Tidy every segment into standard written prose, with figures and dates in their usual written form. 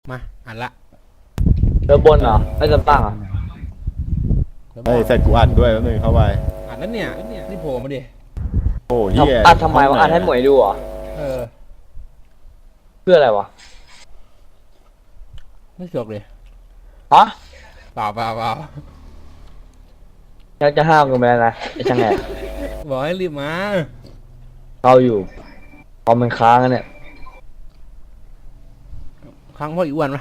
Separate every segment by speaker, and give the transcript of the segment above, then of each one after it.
Speaker 1: มาอ่านละ
Speaker 2: เรือบนเหรอไม่จำตั้งเหรอ
Speaker 3: เฮ้ยใส่กูอัดด้วยแล้วนึงเข้าไป
Speaker 1: อ่านแล้วเนี่ยนี่โผล่มาดิ
Speaker 3: โอ้เหี้ย
Speaker 2: อัดทำไมวะอัดให้หมวยดูเหรอเพื่ออะไรวะ
Speaker 1: ไม่เสือกเลย
Speaker 2: ฮะ
Speaker 1: เปล่า
Speaker 2: ยังจะห้ามกันไปแล้วนะไอ้ช่างแอบ
Speaker 1: บอกให้รีบมา
Speaker 2: เราอยู่พอมันค้างกันเนี่ย
Speaker 1: ค้างพ่ออีอ้วนปะ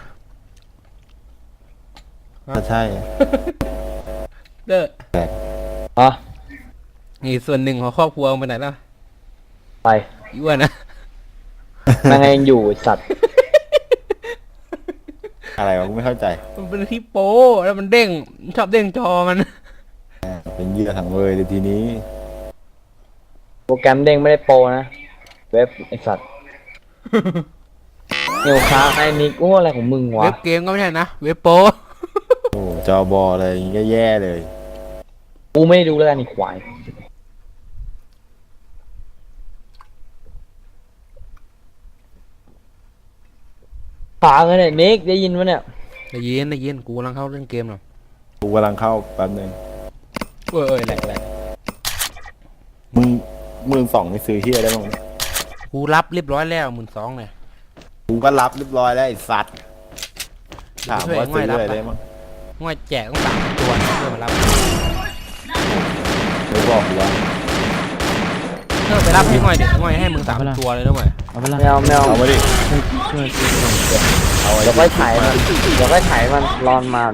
Speaker 3: ใช่
Speaker 1: เด้อ
Speaker 2: ฮะ
Speaker 1: นี่ส่วนหนึ่งของครอบครัวไปไหนแล้ว
Speaker 2: ไป
Speaker 1: อีอ้วนนะ
Speaker 2: แม่งยังอยู่สัตว์
Speaker 3: อะไรวะกูไม่เข้าใจ
Speaker 1: มันเป็นที่โป้แล้วมันเด้งชอบเด้งจอมัน
Speaker 3: เป็นเหยื่อถังเลยในทีนี้
Speaker 2: โปรแกรมเด้งไม่ได้โปรนะเว็บไอสัตว์เนียวค้างไอ้นิกโอ้อะไรของมึงวะ
Speaker 1: เว็บเกมก็ไม่ใช่นะเว็บโป้
Speaker 3: โอ้จอบออะไรอย่างงี้ก็แย่เลย
Speaker 2: กูไม่ดูแล้วกันอีกควายค้างเลยนิกได้ยินวะเนี่ย
Speaker 1: ได้ยินกูกำลังเข้าเล่นเกมหรอ
Speaker 3: กูกำลังเข้าแป๊บนึง
Speaker 1: แหลก
Speaker 3: มึง2ไม่ซื้อเฮียได้บ้าง
Speaker 1: กูรับเรียบร้อยแล้ว12,000เลย
Speaker 3: กูก็รับเรียบร้อยแล้วไอ้สัตว์ถามว่าซื้ออะไรได้มั้ง
Speaker 1: ง่อยแจกต้อง3ตัวเพื่อมารับ
Speaker 3: ไม่บอกกูว่า
Speaker 1: เพื่อไปรับให้ง่อยเด็กง่อยให้มึง3ตัวเลยด้วยมั้ย
Speaker 2: เอาไปละไม่เอา
Speaker 3: เอามาดิ
Speaker 2: เดี๋ยวค่อยถ่ายมันรอนมา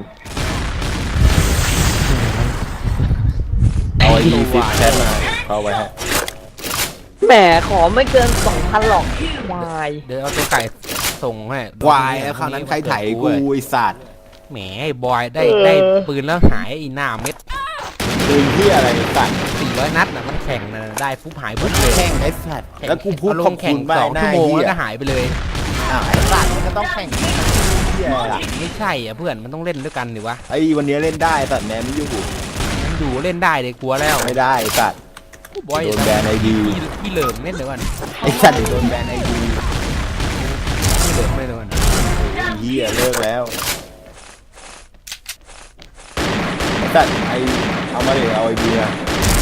Speaker 3: เอาไอ้ฟิปแชทมาเข้าไว้ให้
Speaker 2: แหมขอไม่เกิน 2,000 หรอกวาย
Speaker 1: เดี๋ยวเอาตัวไก่ส่งให้
Speaker 3: วายแล้วคราวนั้นใครถ่ายกูไอ้สัตว์
Speaker 1: แหมไอ้บอยได้ปืนแล้วหายอีหน้าเม็ด
Speaker 3: ปืนที่อะไรสัตว์
Speaker 1: 400 นัดน่ะมันแข่งนะได้ฟุบหายปุ๊บเลย
Speaker 3: แข่งไอ้สัตว์แล้วกูพูดขอบคุณไป
Speaker 1: 2 ชั่วโมงแล้วก็หายไปเลย
Speaker 3: ไอ้สัตว์มันก็ต้องแข่ง
Speaker 1: ไม่ใช่อ่ะเพื่อนมันต้องเล่นด้วยกันดิวะ
Speaker 3: ไอ้วันนี้เล่นได้สัตว์แมนไม่ยุ่ง
Speaker 1: ดูเล่นได้เลยกลัวแล้ว
Speaker 3: ไม่ได้สัตว์
Speaker 1: บอย
Speaker 3: โดนแบนไอดี
Speaker 1: พี่เหลิมเล่นเดี๋ยวก่อน
Speaker 3: ไอ้สัตว์โดนแบนไอดี
Speaker 1: พี่เหลิมไม่เดี๋ยวก่อน
Speaker 3: เฮียเลิกแล้วสัตว์ไอเอามาเลยเอาไอดีนะ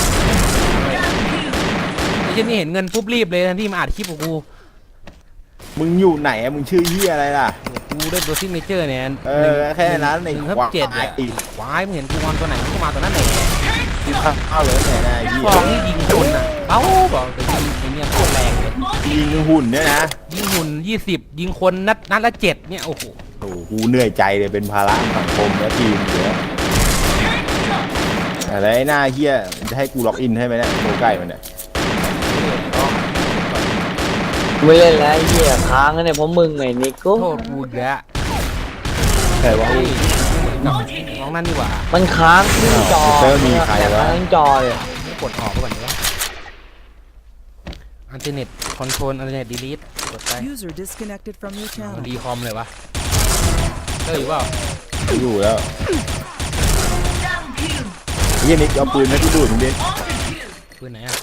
Speaker 1: ไอ้เช่นนี่เห็นเงินปุ๊บรีบเลยทันที่มาอัดคลิปของกู
Speaker 3: มึงอยู่ไหนอะมึงชื่อเฮียอะไรล่ะ
Speaker 1: กูได้ตัวซิกเนเจอร์เนี่ย
Speaker 3: แค่นั้นใน
Speaker 1: ควายควายมึงเห็นกูออนตัวไหนกูมาตัวนั้นไหน
Speaker 3: ยิงเข้าเลยไหนนะ
Speaker 1: ฟองนี่ยิงคนอ่ะเอ้าบอกแต่ยิงไอ้เนี่ยโคตรแรงเลย
Speaker 3: ยิงหุ่นเนี่ยนะ
Speaker 1: ยิงหุ่น20ยิงคนนัดละ7เนี่ยโอ้โห
Speaker 3: กูเหนื่อยใจเลยเป็นภาระสังคมและทีมเยอะอะไรหน้าเฮียจะให้กูล็อกอินให้ไหมเนี่ยโตใกล้มันเนี่ย
Speaker 2: ไม่เล่นแล้วเหี้ยค้างเนี่ยเพราะมึงไงนิกก็
Speaker 1: โทษกูแก
Speaker 3: ใครวะ
Speaker 1: น้องนั่นดีกว่า
Speaker 2: มันค้างที่จอ
Speaker 3: มีใครวะ
Speaker 2: ค้างจอเลย
Speaker 1: กดออกก่อนดีวะอันเทอร์เน็ตคอนโทรลอันเทอร์เน็ตดีลีทกดไปดีคอมเลยวะอยู่เปล่า
Speaker 3: อยู่แล้วเฮียนิกเอาปืนให้กูดูดมึงดิ
Speaker 1: ปืนไหนอ่ะ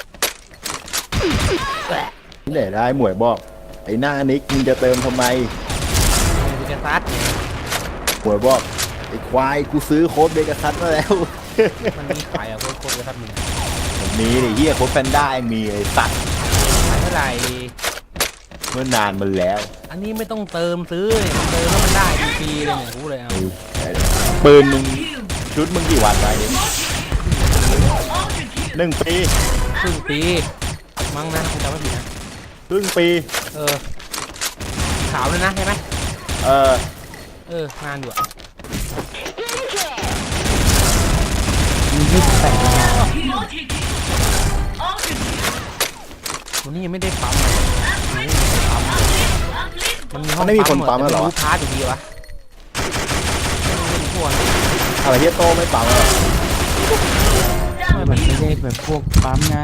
Speaker 3: ที่ไหนได้หมวยบอกไอ้หน้านิกมึงจะเติมทำไม
Speaker 1: กูจะซัด
Speaker 3: หมวยบอกไอ้ควายกูซื้อโค้ดเบกัสซัสมาแล้ว
Speaker 1: มันมีขายอ่ะโค้ดเบกัสซัสมึง
Speaker 3: มีดิเฮียโค้ดแพนด้ามีไอ้สัตว์
Speaker 1: ขายเท่าไหร่
Speaker 3: เมื่อนานมันแล้ว
Speaker 1: อันนี้ไม่ต้องเติมซื้อเนี่ยเติมแล้วมันได้ฟรีเลยเนี่ยรู้เลยเอา
Speaker 3: ปืนมึงชุดมึงกี่วันไว้1 ปี
Speaker 1: ครึ่งปีมั้งนะจำไม่ผิดนะ
Speaker 3: ครึ่งปี
Speaker 1: ขาวเลยนะใช่ไหมงานอยู่อ่ะวันนี้ยังไม่ได้ปั๊มมัน
Speaker 3: ไม่มีคนปั๊มหรอ
Speaker 1: พาร์ทอยู่ดีวะ
Speaker 3: อะไรเฮียโตไม่ปั๊มหรอ
Speaker 2: มันไม่ได้แบบพวกปั๊มไง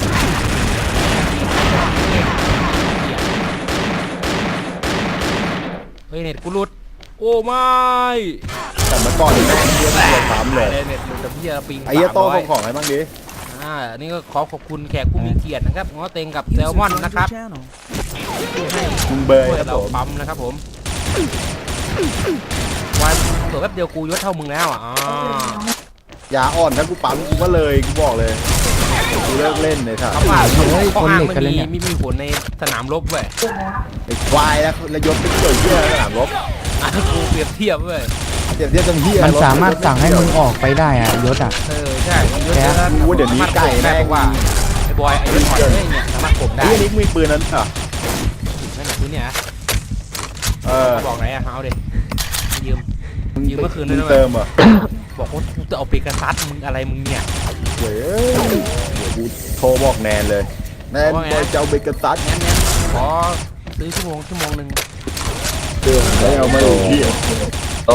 Speaker 1: เฮ้ยเน็ตกูหลุดโอ้ไม่
Speaker 3: แต่เมื่อก่อนนี่เฮียปั๊มเลย
Speaker 1: เน็ตหลุดแต่พี่จะปิง
Speaker 3: ไอ้เฮียโตของอะไรบ้างดิ
Speaker 1: นี่ก็ขอบคุณแขกผู้มีเกียรตินะครับง้อเต็งกับแซลมอนนะครับ
Speaker 3: มึงเบย์
Speaker 1: เราปั๊มนะครับผมวันเผื่อแป๊บเดียวกูยศเท่ามึงแล้วอ่ะอ๋อย
Speaker 3: าอ่อนถ้ากูปั๊มกูก็เลยกูบอกเลยกูเลิกเล่นเลยครับ
Speaker 1: คำว่า
Speaker 4: เฮ้ย
Speaker 1: ข้อ
Speaker 4: คน
Speaker 1: อ้าง
Speaker 4: เหล็ก
Speaker 1: ไม่
Speaker 4: กันเลย
Speaker 1: มี
Speaker 4: เนี่ย
Speaker 1: ไม่มีผลในสนามรบเว้ย
Speaker 3: ไอ้ควายแล้วยศเป็นเกี่ยวเหี้ยสนามรบ
Speaker 1: อ่ะกูเปรียบเทียบเว้ย
Speaker 3: เดี๋ยวเทียบจำเหี้ย
Speaker 4: มันสามารถสั่งให้มึงออกไปได้อ่ะยศอ่ะ
Speaker 1: ใช่ยศ
Speaker 4: แก
Speaker 1: แล้ว
Speaker 3: กูว่าเดี๋ยวนี้ไก่แม่ง
Speaker 1: บอกว่าไอ้บอยไอ้ยศถอยเลยเนี่ยสามารถข่มได้
Speaker 3: ไอ้นิกมีปืนนั้นเหรอ
Speaker 1: นั่นแหละคุณเนี่ย
Speaker 3: เออ
Speaker 1: บอกไหนอะเอาดิยืมเมื่อคืนด้วยนะ
Speaker 3: เติมเหรอ
Speaker 1: บอกว่ากูจะเอาไปกระซัดมึงอะไรมึงเนี่ย
Speaker 3: เว้ยเดี๋ยวกูโทรบอกแนนเลยแนน
Speaker 1: ว่าไง
Speaker 3: บอยจะเอาเบเกอร์ซัส
Speaker 1: งั้นขอซื้อชั่วโมงหนึ่ง
Speaker 3: ไม่เอามาเลยพี่
Speaker 2: โต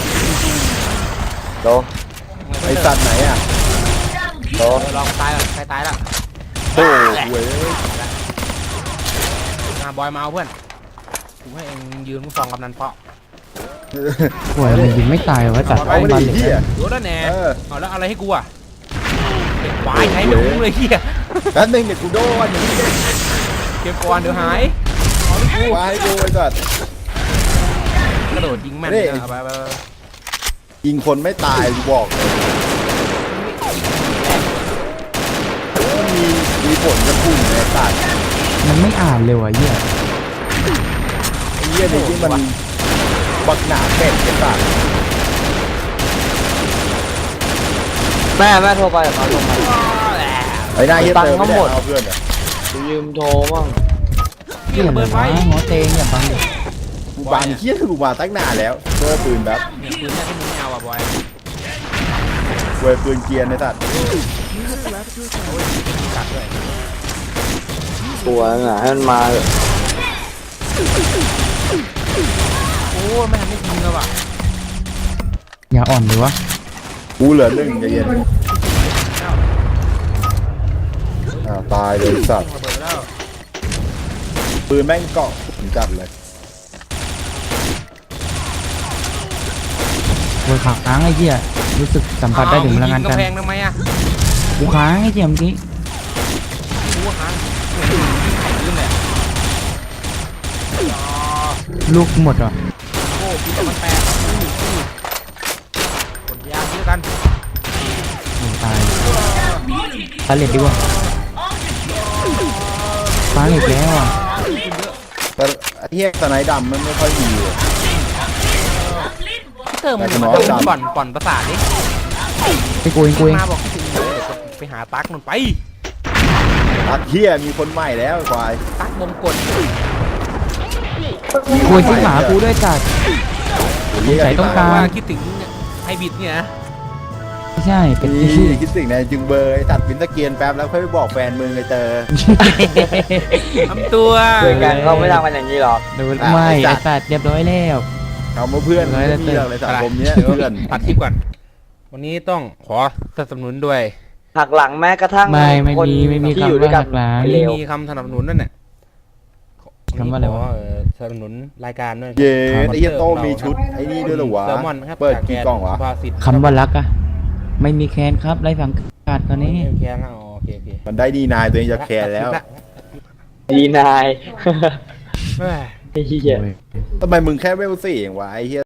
Speaker 2: โต
Speaker 3: ไอสัตว์ไหนอ่ะ
Speaker 2: โต
Speaker 1: ลองตายก่อนใครตายละ
Speaker 3: โอ้เว้ย
Speaker 1: มาบอยมาเอาเพื่อนกูให้เองยืนมึงส่องกำนันเปาะ
Speaker 4: โอ้ยมันยิงไม่ตายเหรอวะจัด
Speaker 3: เอา
Speaker 4: ไอ้
Speaker 3: ไม่
Speaker 4: บา
Speaker 3: ได้
Speaker 4: นเหล็ก
Speaker 3: เหี้ย
Speaker 1: โดนแล้วแน่
Speaker 3: เออ
Speaker 1: เอาแล้วอะไรให้กูอ่ะเก็บควายใช้ไม่คุ้มเลยเฮีย
Speaker 3: แป๊บนึงเดี๋ยวกูโดนอย่างนี้
Speaker 1: เก็บก่อนเดี๋ยวหาย
Speaker 3: มาให้กูไอ้สัตว์
Speaker 1: กระโดดยิงแม่น
Speaker 3: นี่
Speaker 1: เลยเอาไป
Speaker 3: ยิงคนไม่ตายกูบอกเลยมันมีผลกระพุ่งในสัตว์
Speaker 4: มันไม่อ่านเลยว่ะเหี้ย
Speaker 3: ไอ้เหี้ยนี่ที่มันบักหนาเป็ดไอ้สัตว์
Speaker 2: แม่โทรไปเขาโทรมา
Speaker 3: ไอ้หน้าเหี้ย
Speaker 2: ตังค์
Speaker 3: เติมไม่
Speaker 2: ทั้งหม
Speaker 3: ได้
Speaker 2: ด
Speaker 3: เอาเพื่อนอ่ะ
Speaker 2: กูยืมโทรมั่ง
Speaker 4: เหี้ยอะไรวะหมอเตงอย่าบังเด็ก
Speaker 3: กูบานเหี้ยกูมาตั้งนานแล้วเพื่อปืนแบบ
Speaker 1: เนี่ยปืนเนี่ยที่มึงไม่เอาอ่ะบอย
Speaker 3: เว้ยปืนเกียร์ในสัตว์
Speaker 1: กัดด้วย
Speaker 2: ตัวน่ะให้มันมาเถอะ
Speaker 1: โอ้ไม่ทำให้ยิงเลยว่ะ
Speaker 4: อย่าอ่อนเลยวะ
Speaker 3: กูเหลือหนึ่งใจเย็นตายเลยสัตว์
Speaker 1: ระเบิดแล้ว
Speaker 3: ปืนแม่งเกาะผมจัดเลย
Speaker 4: โวยขาค้างไอ้เหี้ยรู้สึกสัมผัสได้ถึงพลังงาน
Speaker 1: ก
Speaker 4: กัน
Speaker 1: แพงทำไมอ่ะ
Speaker 4: กูค้างไอ้เหี้ยเมื่อกี้
Speaker 1: ไม่รู้ว่าค้างลืมเลย
Speaker 4: ลูกหมดอ่ะ
Speaker 1: โอ้ปีมันแปลกกดยาซื้อกัน
Speaker 4: โอ้ตายตาเหล็กดีกว่าฟ้าเหล็กแล้วอ่ะ
Speaker 3: แต่ไอ้เหี้ยสไนด์ดำมันไม่ค่อยมีเลย
Speaker 1: เติมมันป่อนประสาทดิ
Speaker 4: ไอ้กูเองกูเอง
Speaker 1: มาบอกคิดถึงไปหาตั๊กมันไป
Speaker 3: ตัดเหี้ยมีคนใหม่แล้วไอ้ควาย
Speaker 1: ตั๊กมงกล
Speaker 4: กูที่หมากูด้วยจัด ใส่ต้องการ
Speaker 1: ว่าคิดถึงไฮบิดเนี่ยนะ
Speaker 4: ไม่ใช่เป็น
Speaker 3: นี่
Speaker 4: ที่
Speaker 3: คิดสิ่งในจึงเบอร์ไอ้ตัดปินตะเกียนแป๊บแล้วค่อยไปบอกแฟนมึงไอ้เจอ
Speaker 1: ทำตัว
Speaker 2: เพื่อนกันเขาไม่ทำกันอย่างนี้หรอก
Speaker 4: โดนไม่ไอ้สัตว์เรียบร้อยแล้ว
Speaker 3: คำว่าเพื่อนไม่มีหรอกในสังคมเนี้ยเพื่อน
Speaker 1: ตัดคลิปก่อนวันนี้ต้องขอสนับสนุนด้วย
Speaker 2: หักหลังแม้กระทั่ง
Speaker 4: ไม่
Speaker 2: คน
Speaker 4: มี
Speaker 2: ที่
Speaker 4: คำ
Speaker 2: อยู่ด้วยกัน
Speaker 4: ว่าหักหลัง
Speaker 2: เร็ว
Speaker 1: มีคำสนับสนุนนั่นแหละ
Speaker 4: คำว่าอะไรวะ
Speaker 1: ขสนับสนุนรายการด้วย
Speaker 3: เย้ไอ้เหี้ยโตมีชุดไอ้นี่ด้วยเหรอวะ
Speaker 1: แซลมอนครับ
Speaker 3: เปิดกี่กล่องวะ
Speaker 1: ภาสิทธิ์
Speaker 4: คำว่ารักอะไม่มีแคนครับไรสังกัดตอนนี้
Speaker 1: โอเคครับโอเค
Speaker 3: มันได้ดีนายตัวเองจะแคร์แล้ว
Speaker 2: ดีนาย
Speaker 1: เอ้ย
Speaker 2: ไอ้เหี้ย
Speaker 3: ทำไมมึงแค่เวลสี่เองวะไอ้เหี้ย